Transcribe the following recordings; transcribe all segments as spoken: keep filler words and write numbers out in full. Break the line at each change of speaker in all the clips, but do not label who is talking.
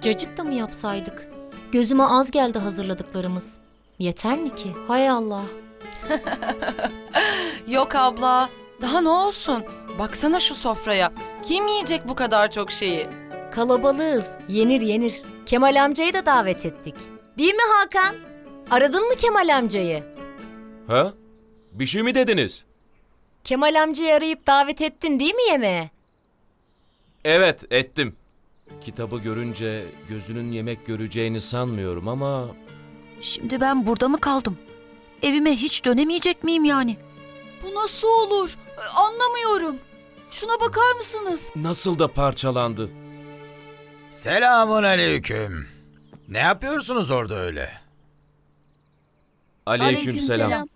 Cacık da mı yapsaydık? Gözüme az geldi hazırladıklarımız. Yeter mi ki? Hay Allah.
Yok abla, daha ne olsun? Baksana şu sofraya. Kim yiyecek bu kadar çok şeyi?
Kalabalığız. Yenir yenir. Kemal amcayı da davet ettik. Değil mi Hakan? Aradın mı Kemal amcayı?
Ha? Bir şey mi dediniz?
Kemal amcayı arayıp davet ettin değil mi yemeğe?
Evet, ettim. Kitabı görünce gözünün yemek göreceğini sanmıyorum ama...
Şimdi ben burada mı kaldım? Evime hiç dönemeyecek miyim yani?
Bu nasıl olur? Anlamıyorum. Şuna bakar mısınız?
Nasıl da parçalandı.
Selamun aleyküm. Ne yapıyorsunuz orada öyle?
Aleykümselam.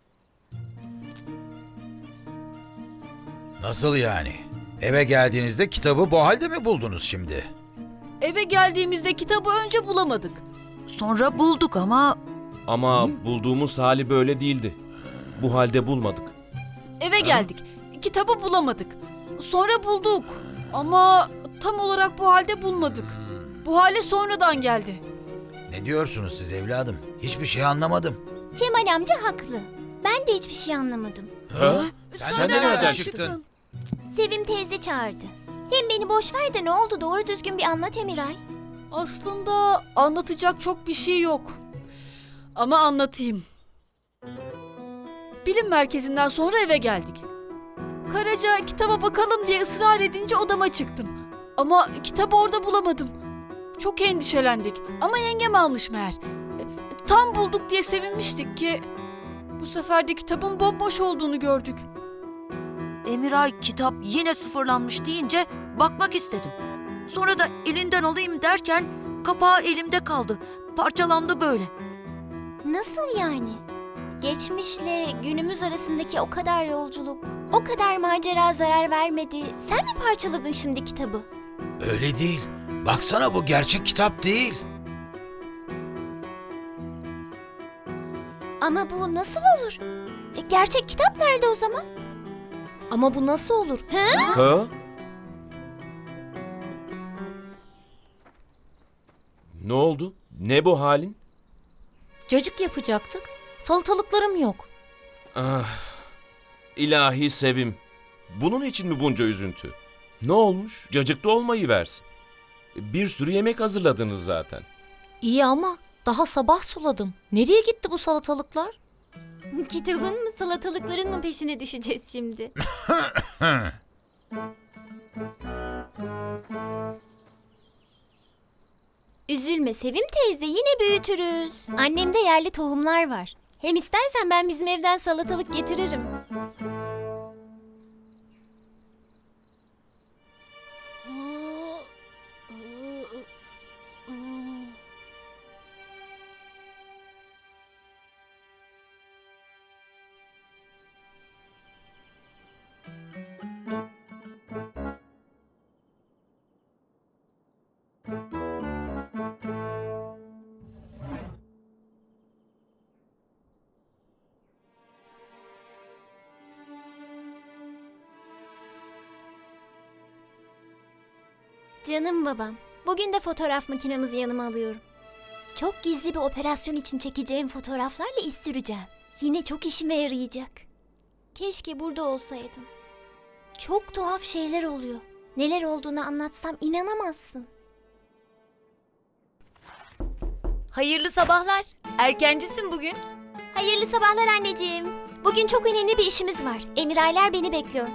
Nasıl yani? Eve geldiğinizde kitabı bu halde mi buldunuz şimdi?
Eve geldiğimizde kitabı önce bulamadık.
Sonra bulduk ama
Ama bulduğumuz hali böyle değildi. Bu halde bulmadık.
Eve geldik. Kitabı bulamadık. Sonra bulduk. Ama tam olarak bu halde bulmadık. Bu hale sonradan geldi.
Ne diyorsunuz siz evladım? Hiçbir şey anlamadım.
Kemal amca haklı. Ben de hiçbir şey anlamadım.
Ha?
Sen,
Sen de nereden çıktın?
Sevim teyze çağırdı. Hem beni boş ver de ne oldu doğru düzgün bir anlat Emiray.
Aslında anlatacak çok bir şey yok. Ama anlatayım. Bilim merkezinden sonra eve geldik. Karaca kitaba bakalım diye ısrar edince odama çıktım. Ama kitabı orada bulamadım. Çok endişelendik ama yengem almış meğer. E, Tam bulduk diye sevinmiştik ki bu sefer de kitabın bomboş olduğunu gördük.
Emiray kitap yine sıfırlanmış deyince bakmak istedim. Sonra da elinden alayım derken kapağı elimde kaldı. Parçalandı böyle.
Nasıl yani? Geçmişle günümüz arasındaki o kadar yolculuk, o kadar macera zarar vermedi. Sen mi parçaladın şimdi kitabı?
Öyle değil. Baksana bu gerçek kitap değil.
Ama bu nasıl olur? E, gerçek kitap nerede o zaman?
Ama bu nasıl olur?
Ha? Ne oldu? Ne bu halin?
Cacık yapacaktık. Salatalıklarım yok.
Ah, ilahi Sevim. Bunun için mi bunca üzüntü? Ne olmuş? Cacıklı olmayı versin. Bir sürü yemek hazırladınız zaten.
İyi ama daha sabah suladım. Nereye gitti bu salatalıklar?
Kitabın mı salatalıkların mı peşine düşeceğiz şimdi? Üzülme Sevim teyze, yine büyütürüz. Annemde yerli tohumlar var. Hem istersen ben bizim evden salatalık getiririm. Canım babam, bugün de fotoğraf makinemizi yanıma alıyorum. Çok gizli bir operasyon için çekeceğim fotoğraflarla iz süreceğim. Yine çok işime yarayacak. Keşke burada olsaydın. Çok tuhaf şeyler oluyor. Neler olduğunu anlatsam inanamazsın.
Hayırlı sabahlar. Erkencisin bugün.
Hayırlı sabahlar anneciğim. Bugün çok önemli bir işimiz var. Emiraylar beni bekliyor.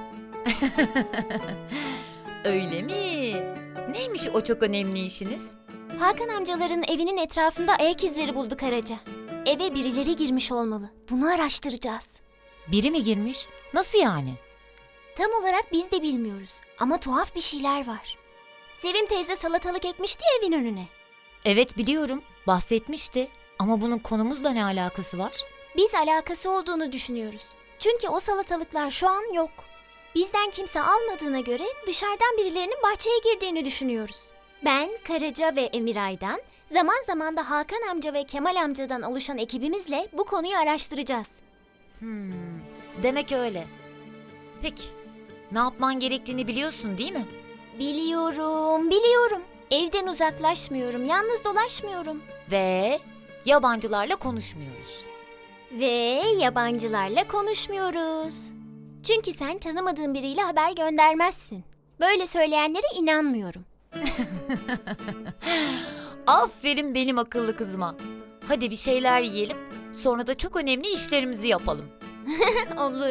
Öyle mi? Neymiş o çok önemli işiniz?
Hakan amcaların evinin etrafında ayak izleri bulduk Karaca. Eve birileri girmiş olmalı. Bunu araştıracağız.
Biri mi girmiş? Nasıl yani?
Tam olarak biz de bilmiyoruz ama tuhaf bir şeyler var. Sevim teyze salatalık ekmişti ya evin önüne.
Evet biliyorum. Bahsetmişti. Ama bunun konumuzla ne alakası var?
Biz alakası olduğunu düşünüyoruz. Çünkü o salatalıklar şu an yok. Bizden kimse almadığına göre dışarıdan birilerinin bahçeye girdiğini düşünüyoruz. Ben, Karaca ve Emiray'dan, zaman zaman da Hakan amca ve Kemal amcadan oluşan ekibimizle bu konuyu araştıracağız.
Hmm, demek öyle. Peki, ne yapman gerektiğini biliyorsun değil mi?
Biliyorum, biliyorum. Evden uzaklaşmıyorum, yalnız dolaşmıyorum.
Ve yabancılarla konuşmuyoruz.
Ve yabancılarla konuşmuyoruz. Çünkü sen tanımadığın biriyle haber göndermezsin. Böyle söyleyenlere inanmıyorum.
Aferin benim akıllı kızıma. Hadi bir şeyler yiyelim. Sonra da çok önemli işlerimizi yapalım.
Olur.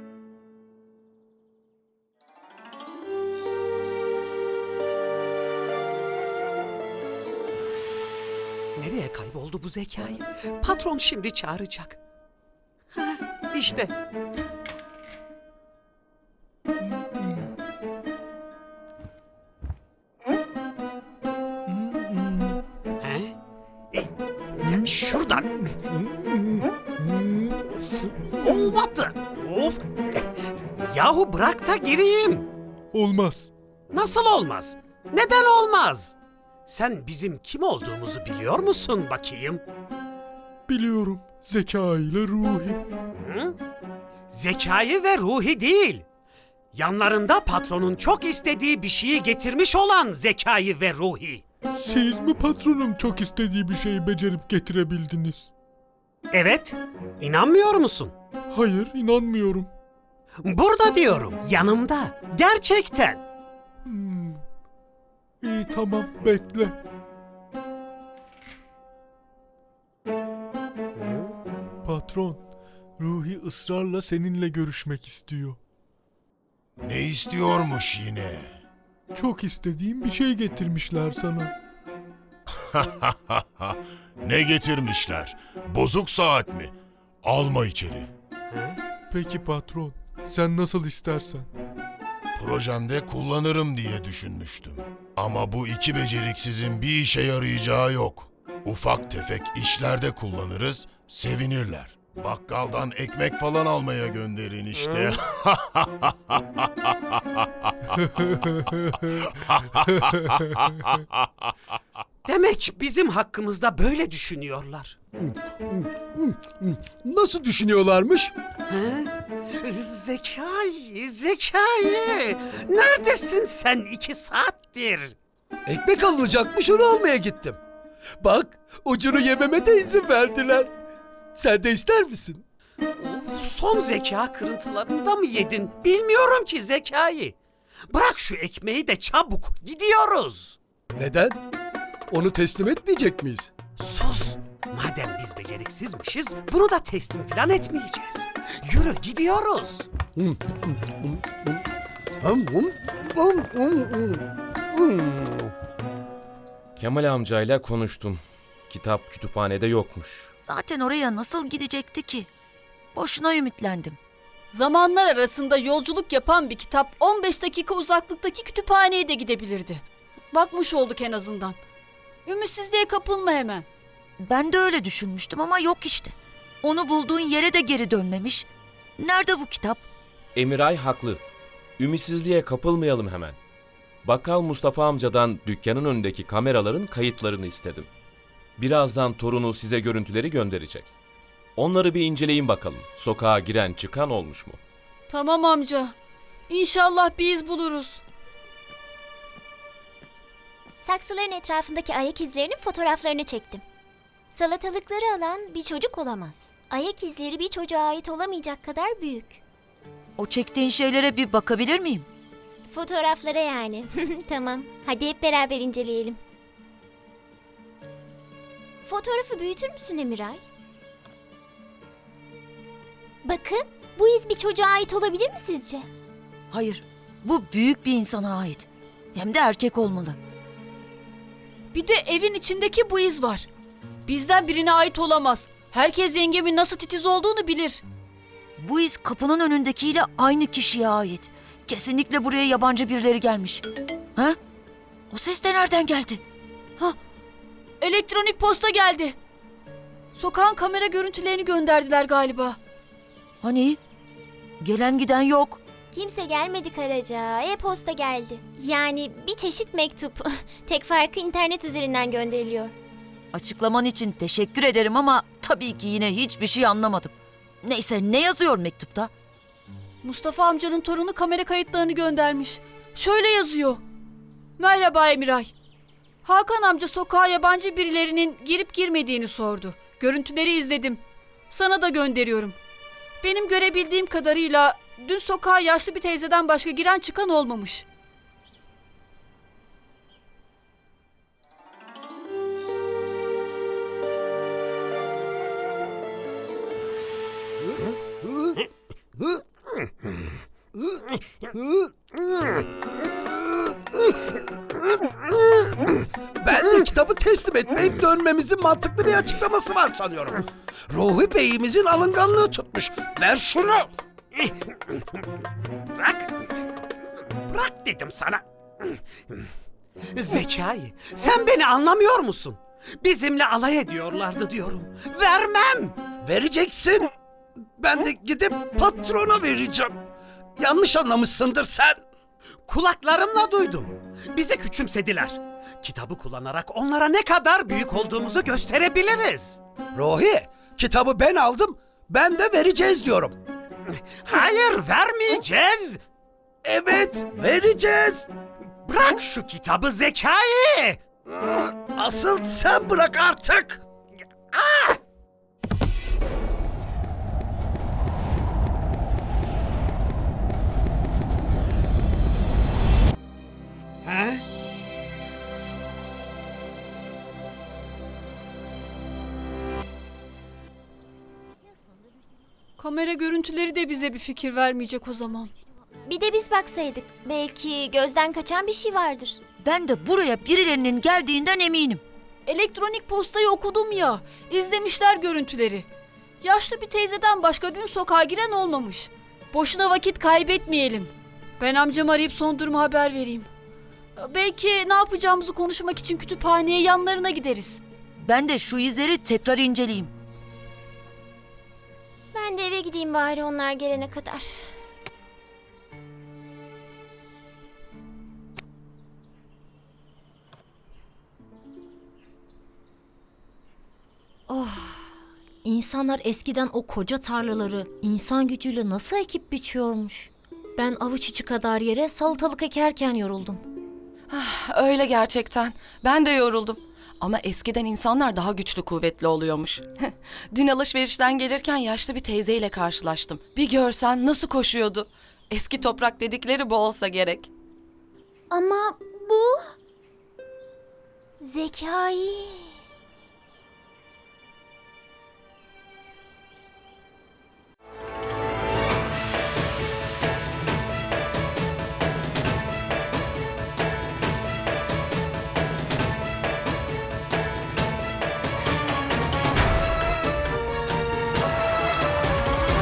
Nereye kayboldu bu Zekai? Patron şimdi çağıracak. Ha, işte. He? E, şuradan. Of, olmadı. Of. Yahu bırak da gireyim.
Olmaz.
Nasıl olmaz? Neden olmaz? Sen bizim kim olduğumuzu biliyor musun bakayım?
Biliyorum. Zeka ile Ruhi.
Hı? Zekai ve Ruhi değil. Yanlarında patronun çok istediği bir şeyi getirmiş olan Zekai ve Ruhi.
Siz mi patronum çok istediği bir şeyi becerip getirebildiniz?
Evet, inanmıyor musun?
Hayır, inanmıyorum.
Burada diyorum, yanımda. Gerçekten.
Hmm. İyi tamam, bekle. Patron, Ruhi ısrarla seninle görüşmek istiyor.
Ne istiyormuş yine?
Çok istediğim bir şey getirmişler sana.
Ne getirmişler? Bozuk saat mi? Alma içeri.
Peki patron, sen nasıl istersen.
Projemde kullanırım diye düşünmüştüm. Ama bu iki beceriksizin bir işe yarayacağı yok. Ufak tefek işlerde kullanırız, sevinirler. Bakkaldan ekmek falan almaya gönderin işte.
Demek bizim hakkımızda böyle düşünüyorlar.
Nasıl düşünüyorlarmış?
He? Zekai, Zekai. Neredesin sen iki saattir?
Ekmek alınacakmış, onu almaya gittim. Bak, ucunu yememe de izin verdiler. Sen de ister misin?
Of, son zeka kırıntılarında mı yedin? Bilmiyorum ki Zekai. Bırak şu ekmeği de çabuk, gidiyoruz.
Neden? Onu teslim etmeyecek miyiz?
Sus! Madem biz beceriksizmişiz, bunu da teslim falan etmeyeceğiz. Yürü, gidiyoruz.
Kemal amcayla konuştum. Kitap kütüphanede yokmuş.
Zaten oraya nasıl gidecekti ki? Boşuna ümitlendim.
Zamanlar arasında yolculuk yapan bir kitap on beş dakika uzaklıktaki kütüphaneye de gidebilirdi. Bakmış olduk en azından. Ümitsizliğe kapılma hemen.
Ben de öyle düşünmüştüm ama yok işte. Onu bulduğun yere de geri dönmemiş. Nerede bu kitap?
Emiray haklı. Ümitsizliğe kapılmayalım hemen. Bakkal Mustafa amcadan dükkanın önündeki kameraların kayıtlarını istedim. Birazdan torunu size görüntüleri gönderecek. Onları bir inceleyin bakalım. Sokağa giren çıkan olmuş mu?
Tamam amca. İnşallah bir iz buluruz.
Saksıların etrafındaki ayak izlerinin fotoğraflarını çektim. Salatalıkları alan bir çocuk olamaz. Ayak izleri bir çocuğa ait olamayacak kadar büyük.
O çektiğin şeylere bir bakabilir miyim?
Fotoğraflara yani. Tamam, hadi hep beraber inceleyelim. Fotoğrafı büyütür müsün Emiray? Bakın, bu iz bir çocuğa ait olabilir mi sizce?
Hayır, bu büyük bir insana ait. Hem de erkek olmalı.
Bir de evin içindeki bu iz var. Bizden birine ait olamaz. Herkes yengemin nasıl titiz olduğunu bilir.
Bu iz kapının önündekiyle aynı kişiye ait. Kesinlikle buraya yabancı birileri gelmiş. Ha? O ses de nereden geldi?
Elektronik posta geldi. Sokağın kamera görüntülerini gönderdiler galiba.
Hani? Gelen giden yok.
Kimse gelmedi Karaca, e-posta geldi. Yani bir çeşit mektup. Tek farkı internet üzerinden gönderiliyor.
Açıklaman için teşekkür ederim ama tabii ki yine hiçbir şey anlamadım. Neyse, ne yazıyor mektupta?
Mustafa amcanın torunu kamera kayıtlarını göndermiş. Şöyle yazıyor. Merhaba Emiray. Hakan amca sokağa yabancı birilerinin girip girmediğini sordu. Görüntüleri izledim. Sana da gönderiyorum. Benim görebildiğim kadarıyla dün sokağa yaşlı bir teyzeden başka giren çıkan olmamış.
Ben de kitabı teslim etmeyip dönmemizin mantıklı bir açıklaması var sanıyorum. Ruhi Bey'imizin alınganlığı tutmuş. Ver şunu.
Bırak. Bırak dedim sana. Zekai, sen beni anlamıyor musun? Bizimle alay ediyorlardı diyorum. Vermem.
Vereceksin. Ben de gidip patrona vereceğim. Yanlış anlamışsındır sen.
Kulaklarımla duydum. Bizi küçümsediler. Kitabı kullanarak onlara ne kadar büyük olduğumuzu gösterebiliriz.
Ruhi, kitabı ben aldım. Ben de vereceğiz diyorum.
Hayır, vermeyeceğiz.
Evet, vereceğiz.
Bırak şu kitabı Zekai.
Asıl sen bırak artık.
Ha?
Kamera görüntüleri de bize bir fikir vermeyecek o zaman.
Bir de biz baksaydık. Belki gözden kaçan bir şey vardır.
Ben de buraya birilerinin geldiğinden eminim.
Elektronik postayı okudum ya. İzlemişler görüntüleri. Yaşlı bir teyzeden başka dün sokağa giren olmamış. Boşuna vakit kaybetmeyelim. Ben amcamı arayıp son durumu haber vereyim. Belki ne yapacağımızı konuşmak için kütüphaneye yanlarına gideriz.
Ben de şu izleri tekrar inceleyeyim.
Ben de eve gideyim bari onlar gelene kadar.
İnsanlar eskiden o koca tarlaları insan gücüyle nasıl ekip biçiyormuş? Ben avuç içi kadar yere salatalık ekerken yoruldum.
Öyle gerçekten. Ben de yoruldum. Ama eskiden insanlar daha güçlü kuvvetli oluyormuş. Dün alışverişten gelirken yaşlı bir teyzeyle karşılaştım. Bir görsen nasıl koşuyordu. Eski toprak dedikleri bu olsa gerek.
Ama bu... Zekai...